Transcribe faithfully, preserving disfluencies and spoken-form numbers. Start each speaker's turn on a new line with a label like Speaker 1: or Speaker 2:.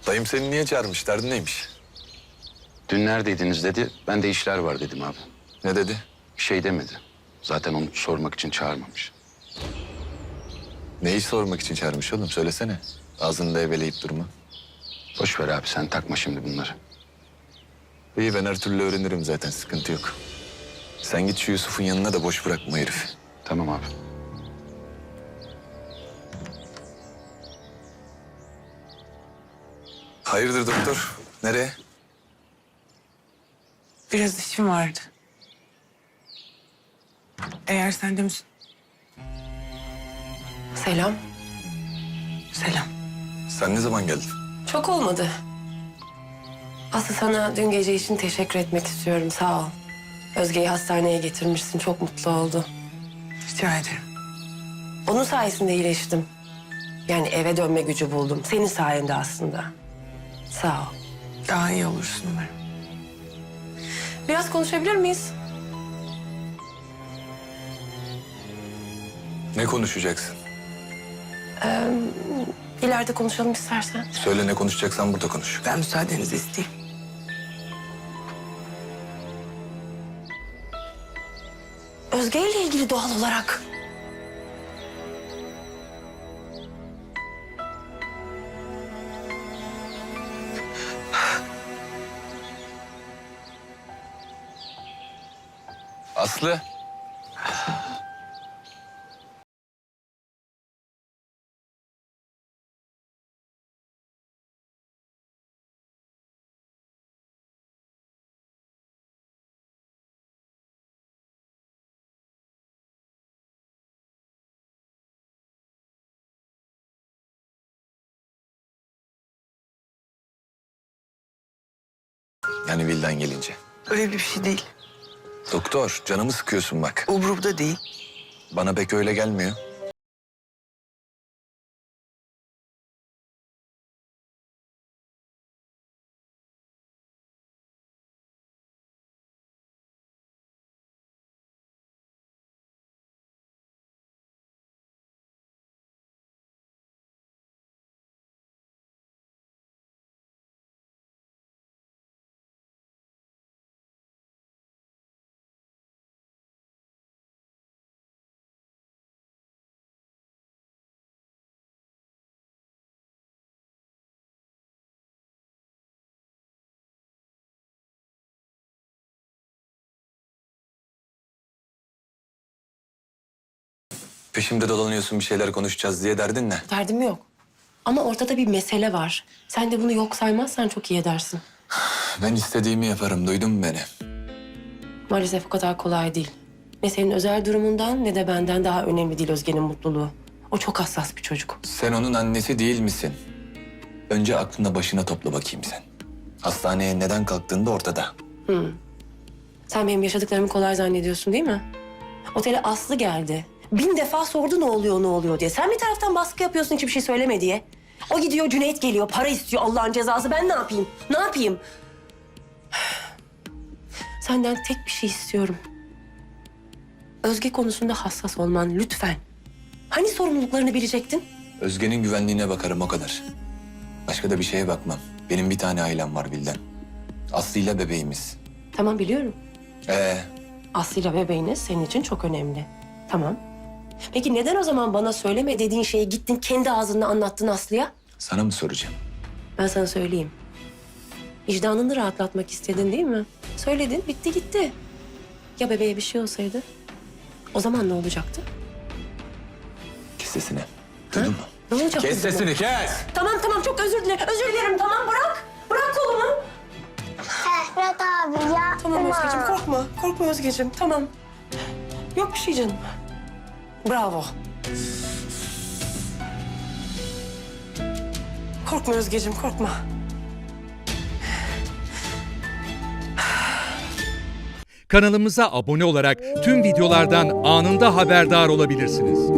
Speaker 1: Dayım seni niye çağırmış? Derdin neymiş?
Speaker 2: Dün neredeydiniz dedi. Ben de işler var dedim abi.
Speaker 1: Ne dedi?
Speaker 2: Bir şey demedi. Zaten onu sormak için çağırmamış.
Speaker 1: Neyi sormak için çağırmış oğlum? Söylesene. Ağzını da eveleyip durma.
Speaker 2: Boş ver abi, sen takma şimdi bunları.
Speaker 1: İyi, ben her türlü öğrenirim zaten. Sıkıntı yok. Sen git şu Yusuf'un yanına da boş bırakma herifi.
Speaker 2: Tamam abi.
Speaker 1: Hayırdır doktor? Nereye?
Speaker 3: Biraz işim vardı. Eğer sen de müs...
Speaker 4: Selam.
Speaker 3: Selam.
Speaker 1: Sen ne zaman geldin?
Speaker 4: Çok olmadı. Aslı, sana dün gece için teşekkür etmek istiyorum. Sağ ol. Özge'yi hastaneye getirmişsin. Çok mutlu oldu.
Speaker 3: Rica ederim.
Speaker 4: Onun sayesinde iyileştim. Yani eve dönme gücü buldum. Senin sayende aslında. Sağ ol.
Speaker 3: Daha iyi olursun umarım.
Speaker 4: Biraz konuşabilir miyiz?
Speaker 1: Ne konuşacaksın?
Speaker 4: İleride konuşalım istersen.
Speaker 1: Söyle, ne konuşacaksan burada konuş.
Speaker 3: Ben müsaadenizi isteyeyim.
Speaker 4: Özge ile ilgili doğal olarak.
Speaker 1: Aslı. Yani Vildan gelince.
Speaker 3: Öyle bir şey değil.
Speaker 1: Doktor, canımı sıkıyorsun bak.
Speaker 3: Umurumda değil.
Speaker 1: Bana pek öyle gelmiyor. Peşimde dolanıyorsun, bir şeyler konuşacağız diye, derdin ne?
Speaker 4: Derdim yok. Ama ortada bir mesele var. Sen de bunu yok saymazsan çok iyi edersin.
Speaker 1: Ben istediğimi yaparım, duydun mu beni?
Speaker 4: Maalesef o kadar kolay değil. Ne senin özel durumundan ne de benden daha önemli değil Özge'nin mutluluğu. O çok hassas bir çocuk.
Speaker 1: Sen onun annesi değil misin? Önce aklına başına topla bakayım sen. Hastaneye neden kalktığın da ortada.
Speaker 4: Sen benim yaşadıklarımı kolay zannediyorsun değil mi? Otele Aslı geldi. Bin defa sordu ne oluyor ne oluyor diye. Sen bir taraftan baskı yapıyorsun hiçbir şey söyleme diye. O gidiyor, Cüneyt geliyor, para istiyor, Allah'ın cezası. Ben ne yapayım? Ne yapayım? Senden tek bir şey istiyorum. Özge konusunda hassas olman lütfen. Hani sorumluluklarını bilecektin?
Speaker 1: Özge'nin güvenliğine bakarım, o kadar. Başka da bir şeye bakmam. Benim bir tane ailem var Vildan. Aslı'yla bebeğimiz.
Speaker 4: Tamam, biliyorum.
Speaker 1: Ee,
Speaker 4: Aslı'yla bebeğiniz senin için çok önemli. Tamam. Peki neden o zaman bana söyleme dediğin şeyi gittin kendi ağzınla anlattın Aslı'ya?
Speaker 1: sana mı soracağım?
Speaker 4: Ben sana söyleyeyim. Vicdanını rahatlatmak istedin değil mi? Söyledin, bitti gitti. Ya bebeğe bir şey olsaydı? O zaman ne olacaktı?
Speaker 1: Kes sesini. Duydun mu?
Speaker 4: Ne olacaktı?
Speaker 1: Kes
Speaker 4: o zaman?
Speaker 1: sesini, kes!
Speaker 4: Tamam tamam, çok özür dilerim. Özür dilerim, tamam, bırak. Bırak kolumu.
Speaker 5: Ferhat abi yapma.
Speaker 4: Tamam Özgeciğim, korkma. Korkma Özgeciğim, tamam. Yok bir şey canım. Bravo. Korkma Özgeciğim, korkma.
Speaker 6: Kanalımıza abone olarak tüm videolardan anında haberdar olabilirsiniz.